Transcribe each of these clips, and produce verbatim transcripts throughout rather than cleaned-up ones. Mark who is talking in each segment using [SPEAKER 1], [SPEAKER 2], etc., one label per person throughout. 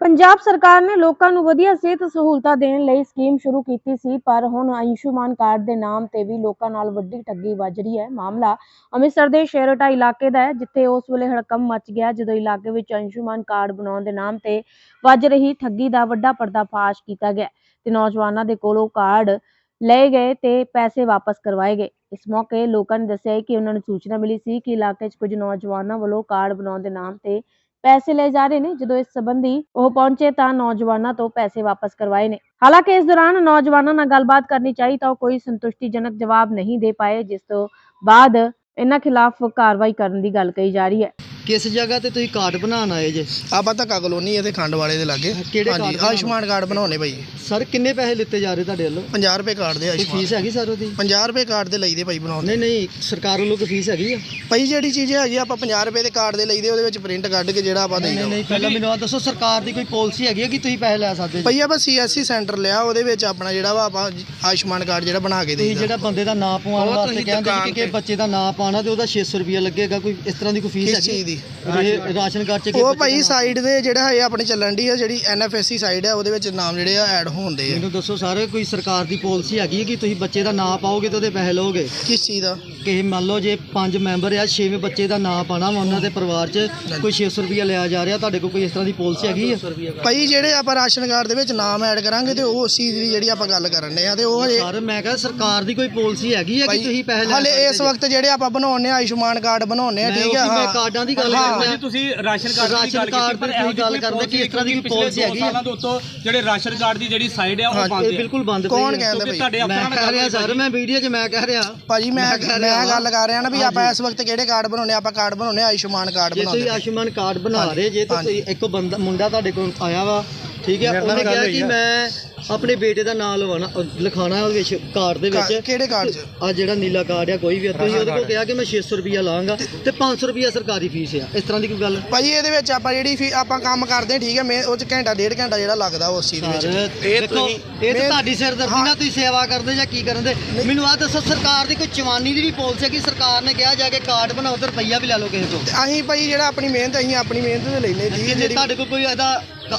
[SPEAKER 1] पंजाब सरकार ने लोगों को वधिया सेहत सहूलतां देने लई स्कीम शुरू की सी, पर हुण आयुष्मान कार्ड के नाम ते भी लोगों नाल वड्डी ठगी वज रही है। मामला अमृतसर के शेरटा इलाके का है, जिथे उस वेले हड़कंप मच गया जदों इलाके विच आयुष्मान कार्ड बनाउण दे नाम ते वज रही ठगी का वड्डा पर्दाफाश किया गया ते नौजवानों के कोलों कार्ड लए गए ते पैसे वापस करवाए गए। इस मौके लोगों ने दस्सिया कि उन्होंने सूचना मिली सी कि इलाके कुछ नौजवानों वालों कार्ड बनाउण दे नाम ते पैसे ले जा रहे ने। जो इस संबंधी वो पहुंचे तो नौजवानों तो पैसे वापस करवाए ने। हालांकि इस दौरान नौजवानों नाल गलबात करनी चाहिए तो कोई संतुष्टिजनक जवाब नहीं दे पाए, जिस तो बाद इन्हां खिलाफ कार्रवाई करने की गल कही जा रही है।
[SPEAKER 2] किस जगह ते तुसीं कार्ड बनाना आए जे?
[SPEAKER 3] ਆਪਾਂ ਧੱਕਾ ਕਲੋਨੀ ਹੈ ਤੇ ਖੰਡ ਵਾਲੇ ਦੇ ਲਾਗੇ।
[SPEAKER 2] ਕਿਹੜੇ
[SPEAKER 3] ਹਾਂਜੀ
[SPEAKER 2] ਕਾਰਡ
[SPEAKER 3] ਆਯੁਸ਼ਮਾਨ ਕਾਰਡ ਬਣਾਉਣੇ ਭਾਈ।
[SPEAKER 2] ਸਰ ਕਿੰਨੇ ਪੈਸੇ ਲਿੱਤੇ ਜਾ ਰਹੇ ਤੁਹਾਡੇ ਵੱਲੋਂ?
[SPEAKER 3] ਪੰਜਾਹ ਰੁਪਏ ਕਾਰਡ ਦੇ
[SPEAKER 2] ਕੋਈ
[SPEAKER 3] ਆਯੁਸ਼ਮਾਨ
[SPEAKER 2] ਫੀਸ ਹੈਗੀ ਸਰ ਉਹਦੀ?
[SPEAKER 3] ਪੰਜਾਹ ਰੁਪਏ ਕਾਰਡ ਦੇ ਲਈਦੇ ਭਾਈ ਬਣਾਉਣੇ।
[SPEAKER 2] ਨਹੀਂ ਨਹੀਂ, ਸਰਕਾਰ ਵੱਲੋਂ ਕੋਈ ਫੀਸ ਹੈਗੀ ਆ?
[SPEAKER 3] ਭਾਈ ਜਿਹੜੀ ਚੀਜ਼ ਹੈਗੀ ਆਪਾਂ ਪੰਜਾਹ ਰੁਪਏ ਦੇ ਕਾਰਡ ਦੇ ਲਈਦੇ, ਉਹਦੇ ਵਿੱਚ ਪ੍ਰਿੰਟ ਕੱਢ ਕੇ ਜਿਹੜਾ ਆਪਾਂ
[SPEAKER 2] ਨਹੀਂ
[SPEAKER 3] ਦੇਈਦਾ।
[SPEAKER 2] ਨਹੀਂ, ਪਹਿਲਾਂ ਮੈਨੂੰ ਆ ਦੱਸੋ, ਸਰਕਾਰ ਦੀ ਕੋਈ ਪਾਲਿਸੀ ਹੈਗੀ ਹੈ ਕਿ ਤੁਸੀਂ ਪੈਸੇ ਲੈ ਸਕਦੇ ਜੀ?
[SPEAKER 3] ਭਾਈ ਆਪਾਂ ਸੀਐਸਸੀ ਸੈਂਟਰ ਲਿਆ, ਉਹਦੇ ਵਿੱਚ ਆਪਣਾ ਜਿਹੜਾ ਵਾ ਆਪਾਂ ਆਯੁਸ਼ਮਾਨ ਕਾਰਡ ਜਿਹੜਾ ਬਣਾ ਕੇ
[SPEAKER 2] ਤੁਸੀਂ
[SPEAKER 3] ਦੇਈਦਾ।
[SPEAKER 2] ਜਿਹੜਾ ਬੰਦੇ ਦਾ ਨਾਂ ਪਵਾਉਣ ਵਾਸਤੇ ਕਹਿੰਦੇ ਕਿ ਕਿ ਬੱਚੇ ਦਾ ਨਾਂ ਪਾਣਾ ਤੇ ਉਹਦਾ ਛੇ ਸੌ ਰੁਪਿਆ ਲੱਗੇਗਾ, ਕੋਈ ਇਸ ਤਰ੍ਹਾਂ ਦੀ ਕੋਈ ਫੀਸ
[SPEAKER 3] ਕਿਸ
[SPEAKER 2] ਹੈਗੀ
[SPEAKER 3] ਚੀਜ਼ ਦੀ?
[SPEAKER 2] ਰੇ- ਰਾਸ਼ਨ ਕਾਰਡ ਚ?
[SPEAKER 3] ਉਹ ਭਾਈ ਸਾਈਡ ਦੇ ਜਿਹੜਾ ਹੈ ਆਪਣੇ ਚੱਲਣ ਦੀ ਹੈ, ਜਿਹੜੀ ਐਨਐਫਐਸਸੀ ਸਾਈਡ ਹੈ, ਉਹਦੇ ਵਿੱਚ ਨਾਮ ਜਿਹੜੇ ਆ ਐਡ ਹੋਣਦੇ ਆ।
[SPEAKER 2] ਮੈਨੂੰ ਦੱਸੋ ਸਰ, ਕੋਈ ਸਰਕਾਰ ਦੀ ਪਾਲਿਸੀ ਹੈਗੀ ਹੈ ਕਿ ਤੁਸੀਂ ਬੱਚੇ ਦਾ ਨਾਂ ਪਾਓਗੇ ਤੇ ਉਹਦੇ ਪੈਸੇ ਲਓਗੇ?
[SPEAKER 3] ਕਿਸ ਚੀਜ਼ ਦਾ?
[SPEAKER 2] ਕਿ ਮੰਨ ਲਓ ਜੇ ਪੰਜ ਮੈਂਬਰ ਆ, ਛੇਵੇਂ ਬੱਚੇ ਦਾ ਨਾਂ ਪਾਣਾ ਵਾ, ਉਹਨਾਂ ਦੇ ਪਰਿਵਾਰ 'ਚ ਕੋਈ ਛੇ ਸੌ ਰੁਪਿਆ ਲਿਆ ਜਾ ਰਿਹਾ, ਤੁਹਾਡੇ ਕੋਲ ਕੋਈ ਇਸ ਤਰ੍ਹਾਂ ਦੀ ਪਾਲਿਸੀ ਹੈਗੀ ਹੈ?
[SPEAKER 3] ਭਾਈ ਜਿਹੜੇ ਆਪਾਂ ਰਾਸ਼ਨ ਕਾਰਡ ਦੇ ਵਿੱਚ ਨਾਮ ਐਡ ਕਰਾਂਗੇ ਤੇ ਉਹ ਉਸ ਚੀਜ਼ ਦੀ ਜਿਹੜੀ ਆਪਾਂ ਗੱਲ ਕਰਨ ਦੇ ਆ, ਤੇ ਉਹ ਹਜੇ
[SPEAKER 2] ਸਰ ਮੈਂ ਕਿਹਾ ਸਰਕਾਰ ਦੀ ਕੋਈ ਪਾਲਿਸੀ ਹੈਗੀ ਹੈ ਕਿ ਤੁਸੀਂ ਪੈਸੇ ਲੈ
[SPEAKER 3] ਹਲੇ ਇਸ ਵਕਤ ਜਿਹੜੇ ਆਪਾਂ ਬਣਾਉਣੇ ਆ ਆਯੁਸ਼ਮਾਨ ਕਾਰਡ ਬਣਾਉਣੇ ਆ, ਠੀਕ ਹੈ।
[SPEAKER 2] ਮੈਂ ਕਾਰਡਾਂ ਦੀ ਗੱਲ ਕਰ ਰਿਹਾ।
[SPEAKER 4] ਤੁਸੀਂ ਰਾਸ਼ਨ ਕਾਰਡ
[SPEAKER 2] ਰਾਸ਼ਨ ਕਾਰਡ ਪਰ ਇਹੋ ਗੱਲ ਕਰਦੇ ਕਿ ਇਸ ਤਰ੍ਹਾਂ ਦੀ ਕੋਈ ਪਾਲਿਸੀ ਹੈਗੀ ਹੈ?
[SPEAKER 4] ਜਿਹੜੇ ਰਾਸ਼ਨ ਕਾਰਡ ਦੀ ਜਿਹੜੀ ਸਾਈਡ ਹੈ ਉਹ ਬੰਦ
[SPEAKER 2] ਇਹ
[SPEAKER 4] ਹੈ।
[SPEAKER 2] ਬਿਲਕੁਲ ਬੰਦ ਪਈ
[SPEAKER 3] ਕੌਣ
[SPEAKER 2] ਹੈ।
[SPEAKER 3] ਕਹਿੰਦਾ ਭਾਈ?
[SPEAKER 4] ਤੁਹਾਡੇ
[SPEAKER 2] ਮੈਂ
[SPEAKER 4] ਅਫਸਰਾਂ
[SPEAKER 2] ਕਹਿ ਰਿਹਾ
[SPEAKER 4] ਨਾਲ
[SPEAKER 2] ਸਰ, ਮੈਂ ਵੀਡੀਓ 'ਚ ਮੈਂ ਕਹਿ ਰਿਹਾ
[SPEAKER 3] ਭਾਜੀ ਮੈਂ ਮੈਂ ਗੱਲ ਕਰ ਰਿਹਾ ਨਾ ਵੀ ਆਪਾਂ ਇਸ ਵਕਤ ਕਿਹੜੇ ਕਾਰਡ ਬਣਾਉਣੇ, ਆਪਾਂ ਕਾਰਡ ਬਣਾਉਣੇ ਆਯੁਸ਼ਮਾਨ ਕਾਰਡ
[SPEAKER 2] ਜੇ
[SPEAKER 3] ਬਣਾਉਂਦੇ।
[SPEAKER 2] ਤੁਸੀਂ ਆਯੁਸ਼ਮਾਨ ਕਾਰਡ ਬਣਾ ਰਹੇ ਜੇ ਤਾਂ ਤੁਸੀਂ ਇੱਕ ਬੰਦਾ ਮੁੰਡਾ ਤੁਹਾਡੇ ਕੋਲ ਆਇਆ ਵਾ, ਠੀਕ ਹੈ, ਉਹਨੇ ਕਿਹਾ ਕਿ ਮੈਂ ਆਪਣੇ ਬੇਟੇ ਦਾ ਨਾਮ ਲਵਾਣਾ ਲਿਖਾਣਾ ਉਹਦੇ ਵਿੱਚ ਕਾਰਡ ਦੇ ਵਿੱਚ।
[SPEAKER 3] ਕਿਹੜੇ ਕਾਰਡ 'ਚ?
[SPEAKER 2] ਆ ਜਿਹੜਾ ਨੀਲਾ ਕਾਰਡ ਆ ਕੋਈ ਵੀ, ਤੁਸੀਂ ਉਹਦੇ ਕੋਲ ਕਿਹਾ ਕਿ ਮੈਂ ਛੇ ਸੌ ਰੁਪਿਆ ਲਾਂਗਾ ਤੇ ਪੰਜ ਸੌ ਰੁਪਿਆ ਸਰਕਾਰੀ ਫੀਸ ਆ, ਇਸ ਤਰ੍ਹਾਂ ਦੀ ਕੋਈ ਗੱਲ?
[SPEAKER 3] ਭਾਜੀ ਇਹਦੇ ਵਿੱਚ ਆਪਾਂ ਜਿਹੜੀ ਫੀ ਆਪਾਂ ਕੰਮ ਕਰਦੇ ਹਾਂ, ਠੀਕ ਹੈ, ਮੈਂ ਉਹ 'ਚ ਘੰਟਾ ਡੇਢ ਘੰਟਾ ਜਿਹੜਾ ਲੱਗਦਾ ਉਸ ਚੀਜ਼ ਦੇ ਵਿੱਚ।
[SPEAKER 2] ਇਹ ਦੇਖੋ ਇਹ ਤਾਂ ਤੁਹਾਡੀ ਸਿਰਦਰਦੀ ਨਾਲ ਤੁਸੀਂ ਸੇਵਾ ਕਰਦੇ ਜਾਂ ਕੀ ਕਰਦੇ? ਮੈਨੂੰ ਆਹ ਦੱਸੋ, ਸਰਕਾਰ ਦੀ ਕੋਈ ਚਵਾਨੀ ਦੀ ਵੀ ਪਾਲਿਸੀ ਹੈ ਕਿ ਸਰਕਾਰ ਨੇ ਕਿਹਾ ਜਾ ਕੇ ਕਾਰਡ ਬਣਾਓ ਤੇ ਰੁਪਈਆ ਵੀ ਲੈ ਲਓ ਕਿਸੇ ਤੋਂ?
[SPEAKER 3] ਤੇ ਅਸੀਂ ਭਾਈ ਜਿਹੜਾ ਆਪਣੀ ਮਿਹਨਤ ਅਸੀਂ ਆਪਣੀ ਮਿਹਨਤ ਤੇ ਲੈਨੇ, ਠੀਕ ਹੈ।
[SPEAKER 2] ਜੇ
[SPEAKER 3] ਜਿਹੜੀ
[SPEAKER 2] ਤੁਹਾਡੇ ਕੋਲ ਕੋਈ ਇਹਦਾ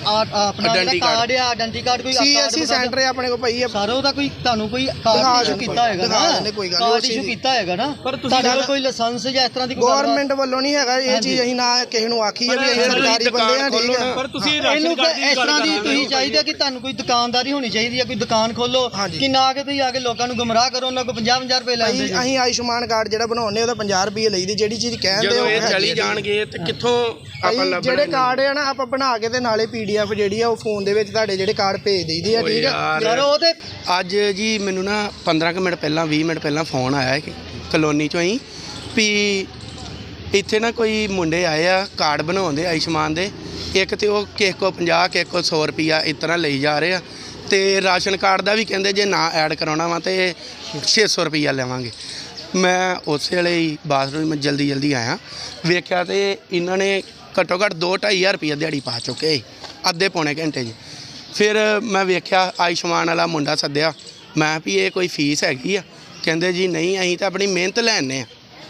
[SPEAKER 2] ਆਪਣਾ ਜਿਹੜਾ ਕਾਰਡ ਆ, ਆਇਡੈਂਟੀ ਕਾਰਡ ਕੋਈ
[SPEAKER 3] ਸੀਐਸਸੀ ਸੈਂਟਰ ਹੈ ਆਪਣੇ ਕੋਲ ਭਾਈ।
[SPEAKER 2] ਸਾਰਾ ਉਹਦਾ ਕੋਈ ਤੁਹਾਨੂੰ ਕੋਈ ਕਾਰਡ ਇਸ਼ੂ ਕੀਤਾ ਹੈਗਾ ਨਾ?
[SPEAKER 3] ਕੋਈ ਗੱਲ
[SPEAKER 2] ਕਾਰਡ ਇਸ਼ੂ ਕੀਤਾ ਹੈਗਾ ਨਾ? ਪਰ ਤੁਹਾਡੇ ਕੋਲ ਕੋਈ ਲਾਇਸੈਂਸ ਜਾਂ ਇਸ ਤਰ੍ਹਾਂ ਦੀ ਕੋਈ
[SPEAKER 3] ਗਵਰਨਮੈਂਟ ਵੱਲੋਂ ਨਹੀਂ ਹੈਗਾ ਇਹ ਚੀਜ਼। ਅਸੀਂ ਨਾ ਕਿਸੇ ਨੂੰ ਆਖੀ ਹੈ ਵੀ ਅਸੀਂ ਸਰਕਾਰੀ ਬੰਦੇ ਆ, ਠੀਕ ਹੈ।
[SPEAKER 4] ਪਰ ਤੁਸੀਂ
[SPEAKER 2] ਇਹਨੂੰ ਇਸ ਤਰ੍ਹਾਂ ਦੀ ਤੁਸੀਂ ਚਾਹੀਦਾ ਕਿ ਤੁਹਾਨੂੰ ਕੋਈ ਦੁਕਾਨਦਾਰੀ ਹੋਣੀ ਚਾਹੀਦੀ ਹੈ, ਕੋਈ ਦੁਕਾਨ ਖੋਲੋ ਕਿ ਨਾ ਕਿ ਤੁਸੀਂ ਆ ਕੇ ਲੋਕਾਂ ਨੂੰ ਗੁੰਮਰਾਹ ਕਰੋ, ਉਹਨਾਂ ਕੋਲ ਪੰਜਾਹ ਪੰਜਾਹ ਰੁਪਏ ਲੈਂਦੇ ਜੀ।
[SPEAKER 3] ਅਸੀਂ ਆਯੁਸ਼ਮਾਨ ਕਾਰਡ ਜਿਹੜਾ ਬਣਾਉਣੇ ਉਹਦਾ ਪੰਜਾਹ ਰੁਪਏ ਲਈਦੀ। ਜਿਹੜੀ ਚੀਜ਼ ਕਹਿੰਦੇ
[SPEAKER 5] ਜਦੋਂ ਇਹ ਚਲੀ ਜਾਣਗੇ ਤੇ ਕਿੱਥੋਂ ਆਪਾਂ ਲੱਭਣਾ?
[SPEAKER 3] ਜਿਹੜੇ ਕਾਰਡ ਆ ਨਾ ਆਪਾਂ ਬਣਾ ਕੇ ਤੇ ਨਾਲੇ ਪੀਡੀਐਫ ਜਿਹੜੀ ਆ ਉਹ ਫੋਨ ਦੇ ਵਿੱਚ ਤੁਹਾਡੇ ਜਿਹੜੇ ਕਾਰਡ ਭੇਜ ਦਈਦੇ ਆ, ਠੀਕ ਹੈ।
[SPEAKER 2] ਯਾਰ ਉਹ ਤੇ
[SPEAKER 5] ਅੱਜ ਜੀ ਮੈਨੂੰ ਨਾ ਪੰਦਰਾਂ ਕੁ ਮਿੰਟ ਪਹਿਲਾਂ ਵੀਹ ਮਿੰਟ ਪਹਿਲਾਂ ਫੋਨ ਆਇਆ ਕਿ ਕਲੋਨੀ ਚੋਂ ਹੀ ਵੀ ਇੱਥੇ ਨਾ ਕੋਈ ਮੁੰਡੇ ਆਏ ਆ ਕਾਰਡ ਬਣਾਉਂਦੇ ਆਯੁਸ਼ਮਾਨ ਦੇ। ਇੱਕ ਤੇ ਉਹ ਕਿਸੇ ਕੋ ਪੰਜਾਹ ਕਿਸੇ ਕੋ ਸੌ ਰੁਪਈਆ ਇਸ ਤਰ੍ਹਾਂ ਲਈ ਜਾ ਰਹੇ ਆ, ਤੇ ਰਾਸ਼ਨ ਕਾਰਡ ਦਾ ਵੀ ਕਹਿੰਦੇ ਜੇ ਨਾ ਐਡ ਕਰਾਉਣਾ ਵਾ ਤੇ ਛੇ ਸੌ ਰੁਪਈਆ ਲਵਾਂਗੇ। ਮੈਂ ਉਸੇ ਵੇਲੇ ਹੀ ਬਾਥਰੂਮ ਮੈਂ ਜਲਦੀ ਜਲਦੀ ਆਇਆ, ਵੇਖਿਆ ਤੇ ਇਹਨਾਂ ਨੇ ਘੱਟੋ ਘੱਟ ਦੋ ਢਾਈ ਹਜ਼ਾਰ ਰੁਪਈਆ ਦਿਹਾੜੀ ਪਾ ਚੁੱਕੇ ਸੀ ਅੱਧੇ ਪੌਣੇ ਘੰਟੇ 'ਚ। ਫਿਰ ਮੈਂ ਵੇਖਿਆ ਆਯੁਸ਼ਮਾਨ ਵਾਲਾ ਮੁੰਡਾ ਸੱਦਿਆ, ਮੈਂ ਵੀ ਇਹ ਕੋਈ ਫੀਸ ਹੈਗੀ ਆ? ਕਹਿੰਦੇ ਜੀ ਨਹੀਂ, ਅਸੀਂ ਤਾਂ ਆਪਣੀ ਮਿਹਨਤ ਲੈਣੇ ਆ।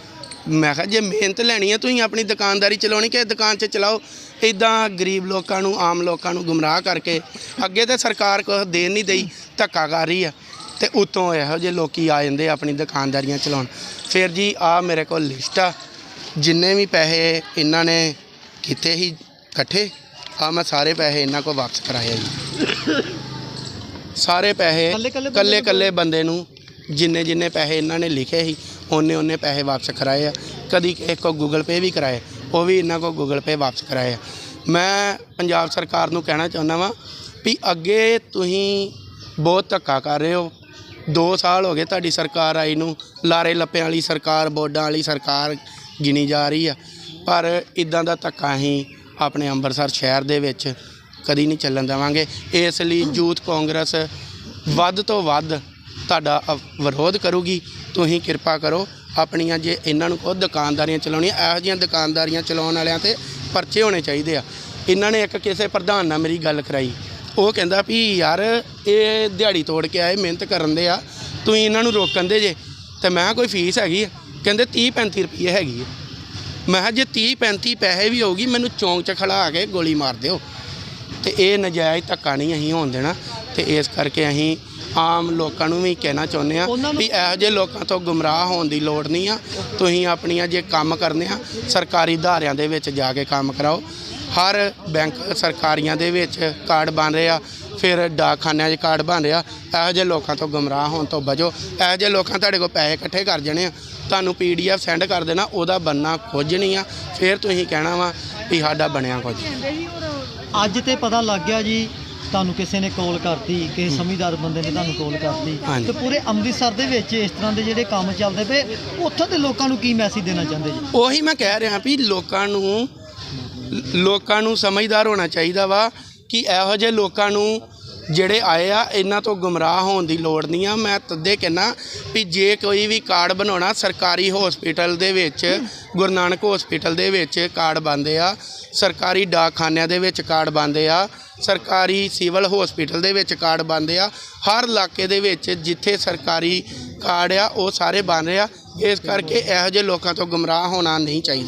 [SPEAKER 5] ਮੈਂ ਕਿਹਾ ਜੇ ਮਿਹਨਤ ਲੈਣੀ ਹੈ ਤੁਸੀਂ ਆਪਣੀ ਦੁਕਾਨਦਾਰੀ ਚਲਾਉਣੀ ਕਿ ਦੁਕਾਨ 'ਚ ਚਲਾਓ। ਇੱਦਾਂ ਗਰੀਬ ਲੋਕਾਂ ਨੂੰ ਆਮ ਲੋਕਾਂ ਨੂੰ ਗੁੰਮਰਾਹ ਕਰਕੇ ਅੱਗੇ ਤਾਂ ਸਰਕਾਰ ਕੁਛ ਦੇਣ ਨਹੀਂ ਦਈ, ਧੱਕਾ ਕਰ ਰਹੀ ਆ, ਤੇ ਉੱਤੋਂ ਇਹੋ ਜਿਹੇ ਲੋਕੀ ਆ ਜਾਂਦੇ ਆਪਣੀ ਦੁਕਾਨਦਾਰੀਆਂ ਚਲਾਉਣ। ਫਿਰ ਜੀ ਆ ਮੇਰੇ ਕੋਲ ਲਿਸਟ ਆ ਜਿੰਨੇ ਵੀ ਪੈਸੇ ਇਹਨਾਂ ਨੇ ਕੀਤੇ ਸੀ ਇਕੱਠੇ, ਆ ਮੈਂ ਸਾਰੇ ਪੈਸੇ ਇਹਨਾਂ ਕੋਲ ਵਾਪਸ ਕਰਾਏ ਜੀ। ਸਾਰੇ ਪੈਸੇ ਕੱਲੇ ਕੱਲੇ ਬੰਦੇ ਨੂੰ ਜਿੰਨੇ ਜਿੰਨੇ ਪੈਸੇ ਇਹਨਾਂ ਨੇ ਲਿਖੇ ਸੀ ਉਹਨੇ ਉਹਨੇ ਪੈਸੇ ਵਾਪਸ ਕਰਾਏ ਆ। ਕਦੀ ਇੱਕ ਕੋ ਗੂਗਲ ਪੇ ਵੀ ਕਰਾਏ, ਉਹ ਵੀ ਇਹਨਾਂ ਕੋਲ ਗੂਗਲ ਪੇ ਵਾਪਸ ਕਰਾਏ ਆ। ਮੈਂ ਪੰਜਾਬ ਸਰਕਾਰ ਨੂੰ ਕਹਿਣਾ ਚਾਹੁੰਦਾ ਵਾਂ ਵੀ ਅੱਗੇ ਤੁਸੀਂ ਬਹੁਤ ਧੱਕਾ ਕਰ ਰਹੇ ਹੋ। ਦੋ ਸਾਲ ਹੋ ਗਏ ਤੁਹਾਡੀ ਸਰਕਾਰ ਆਈ ਨੂੰ, ਲਾਰੇ ਲੱਪਿਆਂ ਵਾਲੀ ਸਰਕਾਰ, ਬੋਰਡਾਂ ਵਾਲੀ ਸਰਕਾਰ ਗਿਣੀ ਜਾ ਰਹੀ ਆ, ਪਰ ਇੱਦਾਂ ਦਾ ਧੱਕਾ ਅਸੀਂ ਆਪਣੇ ਅੰਮ੍ਰਿਤਸਰ ਸ਼ਹਿਰ ਦੇ ਵਿੱਚ ਕਦੀ ਨਹੀਂ ਚੱਲਣ ਦੇਵਾਂਗੇ। ਇਸ ਲਈ ਯੂਥ ਕਾਂਗਰਸ ਵੱਧ ਤੋਂ ਵੱਧ ਤੁਹਾਡਾ ਵਿਰੋਧ ਕਰੂਗੀ। ਤੁਸੀਂ ਕਿਰਪਾ ਕਰੋ ਆਪਣੀਆਂ, ਜੇ ਇਹਨਾਂ ਨੂੰ ਖੁਦ ਦੁਕਾਨਦਾਰੀਆਂ ਚਲਾਉਣੀਆਂ, ਇਹੋ ਜਿਹੀਆਂ ਦੁਕਾਨਦਾਰੀਆਂ ਚਲਾਉਣ ਵਾਲਿਆਂ 'ਤੇ ਪਰਚੇ ਹੋਣੇ ਚਾਹੀਦੇ ਆ। ਇਹਨਾਂ ਨੇ ਇੱਕ ਕਿਸੇ ਪ੍ਰਧਾਨ ਨਾਲ ਮੇਰੀ ਗੱਲ ਕਰਾਈ, ਉਹ ਕਹਿੰਦਾ ਵੀ ਯਾਰ ਇਹ ਦਿਹਾੜੀ ਤੋੜ ਕੇ ਆਏ, ਮਿਹਨਤ ਕਰਨ ਦੇ ਆ, ਤੁਸੀਂ ਇਹਨਾਂ ਨੂੰ ਰੋਕਣ ਦੇ ਜੇ। ਅਤੇ ਮੈਂ ਕੋਈ ਫੀਸ ਹੈਗੀ ਆ? ਕਹਿੰਦੇ ਤੀਹ ਪੈਂਤੀ ਰੁਪਈਏ ਹੈਗੀ ਆ। ਮੈਂ ਕਿਹਾ ਜੇ ਤੀਹ ਪੈਂਤੀ ਪੈਸੇ ਵੀ ਹੋਊਗੀ ਮੈਨੂੰ ਚੌਂਕ 'ਚ ਖੜਾ ਕੇ ਗੋਲੀ ਮਾਰ ਦਿਓ। ਤੇ ਇਹ ਨਜਾਇਜ਼ ਧੱਕਾ ਨਹੀਂ ਅਸੀਂ ਹੋਣ ਦੇਣਾ। ਤੇ ਇਸ ਕਰਕੇ ਅਸੀਂ ਆਮ ਲੋਕਾਂ ਨੂੰ ਵੀ ਕਹਿਣਾ ਚਾਹੁੰਦੇ ਆ ਵੀ ਇਹੋ ਜਿਹੇ ਲੋਕਾਂ ਤੋਂ ਗੁੰਮਰਾਹ ਹੋਣ ਦੀ ਲੋੜ ਨਹੀਂ ਆ। ਤੁਸੀਂ ਆਪਣੀਆਂ ਜੇ ਕੰਮ ਕਰਨੇ ਆ ਸਰਕਾਰੀ ਅਦਾਰਿਆਂ ਦੇ ਵਿੱਚ ਜਾ ਕੇ ਕੰਮ ਕਰਾਓ। ਹਰ ਬੈਂਕ ਸਰਕਾਰੀਆਂ ਦੇ ਵਿੱਚ ਕਾਰਡ ਬਣ ਰਹੇ ਆ, ਫਿਰ ਡਾਕਖਾਨਿਆਂ 'ਚ ਕਾਰਡ ਬਣ ਰਿਹਾ। ਇਹੋ ਜਿਹੇ ਲੋਕਾਂ ਤੋਂ ਗੁੰਮਰਾਹ ਹੋਣ ਤੋਂ ਬਚੋ। ਇਹੋ ਜਿਹੇ ਲੋਕਾਂ ਤੁਹਾਡੇ ਕੋਲ ਪੈਸੇ ਇਕੱਠੇ ਕਰ ਜਾਣੇ ਆ, ਤੁਹਾਨੂੰ ਪੀ ਡੀ ਐਫ ਸੈਂਡ ਕਰ ਦੇਣਾ, ਉਹਦਾ ਬਣਨਾ ਕੁਝ ਨਹੀਂ ਆ। ਫਿਰ ਤੁਸੀਂ ਕਹਿਣਾ ਵਾ ਵੀ ਸਾਡਾ ਬਣਿਆ ਕੁਝ।
[SPEAKER 2] ਅੱਜ ਤੇ ਪਤਾ ਲੱਗ ਗਿਆ ਜੀ, ਤੁਹਾਨੂੰ ਕਿਸੇ ਨੇ ਕਾਲ ਕਰਤੀ, ਕਿਸੇ ਸਮਝਦਾਰ ਬੰਦੇ ਨੇ ਤੁਹਾਨੂੰ ਕਾਲ ਕਰਤੀ, ਤੇ ਪੂਰੇ ਅੰਮ੍ਰਿਤਸਰ ਦੇ ਵਿੱਚ ਇਸ ਤਰ੍ਹਾਂ ਦੇ ਜਿਹੜੇ ਕੰਮ ਚੱਲਦੇ ਪਏ, ਉੱਥੋਂ ਦੇ ਲੋਕਾਂ ਨੂੰ ਕੀ ਮੈਸੇਜ ਦੇਣਾ ਚਾਹੁੰਦੇ ਜੀ?
[SPEAKER 5] ਉਹੀ ਮੈਂ ਕਹਿ ਰਿਹਾ ਵੀ ਲੋਕਾਂ ਨੂੰ ਲੋਕਾਂ ਨੂੰ ਸਮਝਦਾਰ ਹੋਣਾ ਚਾਹੀਦਾ ਵਾ ਕਿ ਇਹੋ ਜਿਹੇ ਲੋਕਾਂ ਨੂੰ ਜਿਹੜੇ ਆਏ ਆ ਇਹਨਾਂ ਤੋਂ ਗੁੰਮਰਾਹ ਹੋਣ ਦੀ ਲੋੜ ਨਹੀਂ ਆ। ਮੈਂ ਤਦੇ ਕਹਿੰਦਾ ਵੀ ਜੇ ਕੋਈ ਵੀ ਕਾਰਡ ਬਣਾਉਣਾ ਸਰਕਾਰੀ ਹਸਪੀਟਲ ਦੇ ਵਿੱਚ, ਗੁਰੂ ਨਾਨਕ ਹਸਪੀਟਲ ਦੇ ਵਿੱਚ ਕਾਰਡ ਬਣਦੇ ਆ, ਸਰਕਾਰੀ ਡਾਕਖਾਨਿਆਂ ਦੇ ਵਿੱਚ ਕਾਰਡ ਬਣਦੇ ਆ, ਸਰਕਾਰੀ ਸਿਵਲ ਹਸਪੀਟਲ ਦੇ ਵਿੱਚ ਕਾਰਡ ਬਣਦੇ ਆ। ਹਰ ਇਲਾਕੇ ਦੇ ਵਿੱਚ ਜਿੱਥੇ ਸਰਕਾਰੀ ਕਾਰਡ ਆ ਉਹ ਸਾਰੇ ਬਣ ਰਹੇ ਆ। ਇਸ ਕਰਕੇ ਇਹੋ ਜਿਹੇ ਲੋਕਾਂ ਤੋਂ ਗੁੰਮਰਾਹ ਹੋਣਾ ਨਹੀਂ ਚਾਹੀਦਾ।